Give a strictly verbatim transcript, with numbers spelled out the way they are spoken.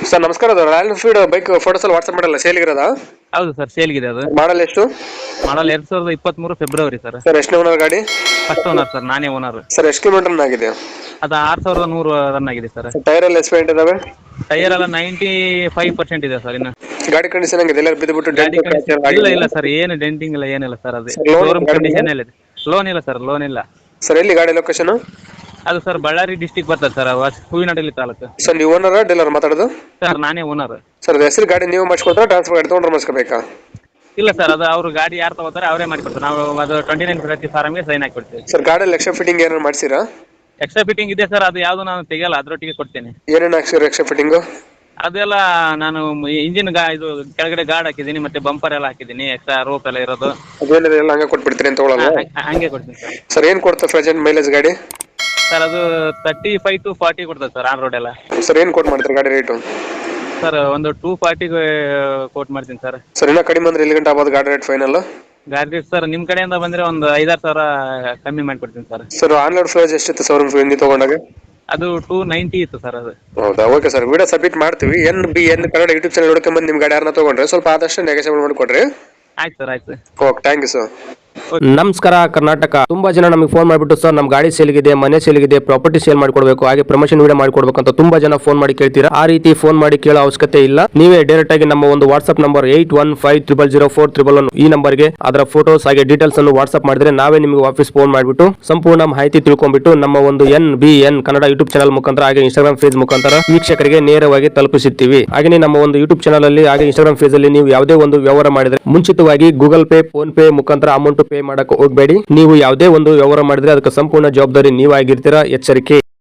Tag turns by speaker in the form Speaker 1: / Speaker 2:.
Speaker 1: Sir ನಮಸ್ಕಾರ, ಅದು Royal Enfield bike photos ಎಲ್ಲ ವಾಟ್ಸ್ಆಪ್ ಮಾಡಲ್ಲ, ಸೇಲ್ಗಿರೋದಾ?
Speaker 2: ಹೌದು ಸರ್, ಸೇಲ್ಗಿದೆ ಅದು.
Speaker 1: ಮಾಡಲ್ ಎಷ್ಟು?
Speaker 2: ಮಾಡಲ್ ಎರಡ್ ಸಾವಿರದ ಇಪ್ಪತ್ತ್ ಮೂರು ಫೆಬ್ರವರಿ ಸರ್.
Speaker 1: ಸರ್ ಎಷ್ಟು ಓನರ್ ಗಾಡಿ?
Speaker 2: ಫಸ್ಟ್ ಓನರ್ ಸರ್, ನಾನೇ ಓನರ್.
Speaker 1: ಸರ್ ಎಷ್ಟು ಕಿಲೋಮೀಟರ್ ರನ್ ಆಗಿದೆ?
Speaker 2: ಅದು ಆರು ಸಾವಿರದ ನೂರು ರನ್ ಆಗಿದೆ ಸರ್.
Speaker 1: ಟೈರ್ ಎಲ್ಲ ಎಸ್ಪೆಂಟ್ ಇದಾವೆ?
Speaker 2: ಟೈರ್ ಎಲ್ಲ ನೈಂಟಿ ಫೈವ್ ಪರ್ಸೆಂಟ್ ಇದೆ ಸರ್. ಇನ್ನು
Speaker 1: ಗಾಡಿ ಕಂಡೀಷನ್ ಆಗಿದೆ? ಎಲ್ಲ ಬಿದ್ದುಬಿಟ್ಟು
Speaker 2: ಗಾಡಿ ಕಂಡೀಷನ್ ಇಲ್ಲ ಇಲ್ಲ ಸರ್, ಏನು ಡೆಂಟಿಂಗ್ ಇಲ್ಲ, ಏನಿಲ್ಲ ಸರ್. ಅದು ಶೋರೂಮ್ ಕಂಡೀಷನ್ ಇದೆ. ಲೋನ್ ಇಲ್ಲ ಸರ್, ಲೋನ್ ಇಲ್ಲ.
Speaker 1: ಸರ್ ಎಲ್ಲಿ ಗಾಡಿ ಲೊಕೇಶನ್?
Speaker 2: ಅದು ಸರ್ ಬಳ್ಳಾರಿ ಡಿಸ್ಟಿಕ್ ಬರ್ತದೆ ಸರ್, ಹೂವಿನಡಗಲಿ ತಾಲೂಕು.
Speaker 1: ಸರ್ ನೀವು ಓನರ್ ಡೀಲರ್ ಮಾತಾಡೋದು?
Speaker 2: ಸರ್ ನಾನೇ ಓನರ್.
Speaker 1: ಸರ್ ಅದು ಹೆಸರು ಗಾಡಿ ನೀವು ಮಾಡಿಸ್ಕೊಡ್ತಾರೆ, ಟ್ರಾನ್ಸ್ಫರ್ ಗಾಡಿ ತೊಗೊಂಡ್ರೆ ಮಾಡಿಸ್ಕೋಬೇಕಾ?
Speaker 2: ಇಲ್ಲ ಸರ್, ಅದು ಅವ್ರು ಗಾಡಿ ಯಾರು ತಗೋತಾರೆ ಅವರೇ ಮಾಡಿಕೊಡ್ತಾರೆ. ನಾವು ಅದು ಟ್ವೆಂಟಿ ನೈನ್ ಪ್ರತಿ ಫಾರಮ್ಗೆ ಸೈನ್ ಹಾಕಿಕೊಡ್ತೀವಿ.
Speaker 1: ಸರ್ ಗಾಡಿಯಲ್ಲಿ ಎಕ್ಸ್ಟ್ರಾ ಫಿಟ್ಟಿಂಗ್ ಏನಾರು ಮಾಡಿಸಿರಾ?
Speaker 2: ಎಕ್ಸ್ಟ್ರಾ ಫಿಟ್ಟಿಂಗ್ ಇದೆ ಸರ್, ಅದು ಯಾವುದು ನಾನು ತೆಗಿಯಲ್ಲ, ಅದರೊಟ್ಟಿಗೆ ಕೊಡ್ತೇನೆ.
Speaker 1: ಏನೇನು ಹಾಕ್ಸಿರ ಎಕ್ಸ್ಟ್ರಾ ಫಿಟ್ಟಿಂಗು?
Speaker 2: ಅದೆಲ್ಲ ನಾನು ಇಂಜಿನ್ ಗಾ ಇದು ಕೆಳಗಡೆ ಗಾರ್ಡ್ ಹಾಕಿದ್ದೀನಿ, ಮತ್ತೆ ಬಂಪರ್ ಎಲ್ಲ ಹಾಕಿದ್ದೀನಿ, ಎಕ್ಸ್ಟ್ರಾ ರೋಪ್ ಎಲ್ಲ ಇರೋದು.
Speaker 1: ಅದೇನಿದೆ ಎಲ್ಲ ಹಂಗೆ ಕೊಟ್ಬಿಡ್ತೀನಿ ಅಂತ ತೊಗೊಳಲ್ಲ?
Speaker 2: ಹಂಗೆ ಕೊಡ್ತೀನಿ ಸರ್.
Speaker 1: ಸರ್ ಏನು ಕೊಡ್ತಾರೆ ಪ್ರೆಸೆಂಟ್ ಮೈಲೇಜ್ ಗಾಡಿ?
Speaker 2: ಸರ್ ಅದು ತರ್ಟಿ ಫೈವ್ ಟು ಫಾರ್ಟಿ ಕೊಡ್ತದೆ ಸರ್ ಆನ್ ರೋಡ್ ಎಲ್ಲ.
Speaker 1: ಸರ್ ಏನು ಕೋಟ್ ಮಾಡ್ತಾರೆ ಗಾಡಿ ರೇಟು?
Speaker 2: ಸರ್ ಒಂದು ಟೂ ಫಾರ್ಟಿಗೆ ಕೋಟ್ ಮಾಡ್ತೀನಿ ಸರ್.
Speaker 1: ಸರ್ ಇನ್ನೂ ಕಡಿಮೆ ಅಂದ್ರೆ ಎಲ್ಲಿ ಗಂಟೆ ಆಗ್ಬೋದು ಗಾಡಿ ರೇಟ್ ಫೈನಲ್?
Speaker 2: ಗಾಡಿ ರೇಟ್ ಸರ್ ನಿಮ್ಮ ಕಡೆಯಿಂದ ಬಂದರೆ ಒಂದು ಐದಾರು ಸಾವಿರ ಕಮ್ಮಿ ಮಾಡಿಕೊಡ್ತೀನಿ ಸರ್.
Speaker 1: ಸರ್ ಆನ್ಲೈನ್ ಪ್ರೈಸ್ ಎಷ್ಟಿತ್ತು ಶೋರೂಮ್ ಹಿಂದಿ ತೊಗೊಂಡಾಗ?
Speaker 2: ಅದು ಟೂ ನೈಂಟಿ ಇತ್ತು ಸರ್ ಅದು.
Speaker 1: ಹೌದಾ, ಓಕೆ ಸರ್, ವಿಡಿಯೋ ಸಬ್ಮಿಟ್ ಮಾಡ್ತೀವಿ. N B N Kannada YouTube channel ನೋಡ್ಕೊಂಬಂದು ನಿಮ್ಮ ಗಾಡಿ ಯಾರನ್ನ ತೊಗೊಂಡ್ರೆ ಸ್ವಲ್ಪ ಆದಷ್ಟು ನೆಗೋಷಿಯೇಟ್ ಮಾಡಿಕೊಡ್ರಿ.
Speaker 2: ಆಯ್ತು ಸರ್, ಆಯ್ತು.
Speaker 1: Okay, thank you sir.
Speaker 3: ನಮಸ್ಕಾರ ಕರ್ನಾಟಕ. ತುಂಬಾ ಜನ ನಮಗೆ ಫೋನ್ ಮಾಡಿಬಿಟ್ಟು ಸರ್ ನಮ್ಮ ಗಾಡಿ ಸೇಲ್ಗಿದೆ, ಮನೆ ಸೇಲ್ಗಿದೆ, ಪ್ರಾಪರ್ಟಿ ಸೇಲ್ ಮಾಡಿಕೊಡ್ಬೇಕು, ಹಾಗೆ ಪ್ರಮೋಷನ್ ವಿಡಿಯೋ ಮಾಡಿಕೊಡ್ಬೇಕು ಅಂತ ತುಂಬಾ ಜನ ಫೋನ್ ಮಾಡಿ ಕೇಳ್ತೀರಾ. ಆ ರೀತಿ ಫೋನ್ ಮಾಡಿ ಕೇಳೋ ಅವಶ್ಯಕತೆ ಇಲ್ಲ. ನೀವೇ ಡೈರೆಕ್ಟ್ ಆಗಿ ನಮ್ಮ ಒಂದು WhatsApp number eight one five triple zero four triple one ಈ ನಂಬರ್ಗೆ ಅದರ ಫೋಟೋಸ್ ಹಾಗೆ ಡೀಟೇಲ್ಸ್ ಅನ್ನು ವಾಟ್ಸ್ಆಪ್ ಮಾಡಿದ್ರೆ ನಾವೇ ನಿಮಗೆ ವಾಪಸ್ ಫೋನ್ ಮಾಡಿಬಿಟ್ಟು ಸಂಪೂರ್ಣ ಮಾಹಿತಿ ತಿಳ್ಕೊಂಡ್ಬಿಟ್ಟು ನಮ್ಮ ಒಂದು N B N Kannada YouTube channel ಮುಖಾಂತರ ಹಾಗೆ ಇನ್ಸ್ಟಾಗ್ರಾಮ್ ಪೇಜ್ ಮುಖಾಂತರ ವೀಕ್ಷಕರಿಗೆ ನೇರವಾಗಿ ತಲುಪಿಸುತ್ತೀವಿ. ಹಾಗೆ ನಮ್ಮ ಒಂದು ಯೂಟ್ಯೂಬ್ ಚಾನಲ್ ಅಲ್ಲಿ ಹಾಗೆ ಇನ್ಸ್ಟಾಗ್ರಾಮ್ ಪೇಜ್ ಅಲ್ಲಿ ನೀವು ಯಾವುದೇ ಒಂದು ವ್ಯವಹಾರ ಮಾಡಿದ್ರೆ ಮುಂಚಿತವಾಗಿ ಗೂಗಲ್ ಪೇ, ಫೋನ್ ಪೇ ಮುಖಾಂತರ ಅಮೌಂಟ್ ಪೇ ಮಾಡಕ್ಕೆ ಹೋಗಬೇಡಿ. ನೀವು ಯಾವುದೇ ಒಂದು ವ್ಯವಹಾರ ಮಾಡಿದ್ರೆ ಅದಕ್ಕೆ ಸಂಪೂರ್ಣ ಜವಾಬ್ದಾರಿ ನೀವಾಗಿರ್ತೀರಾ, ಎಚ್ಚರಿಕೆ.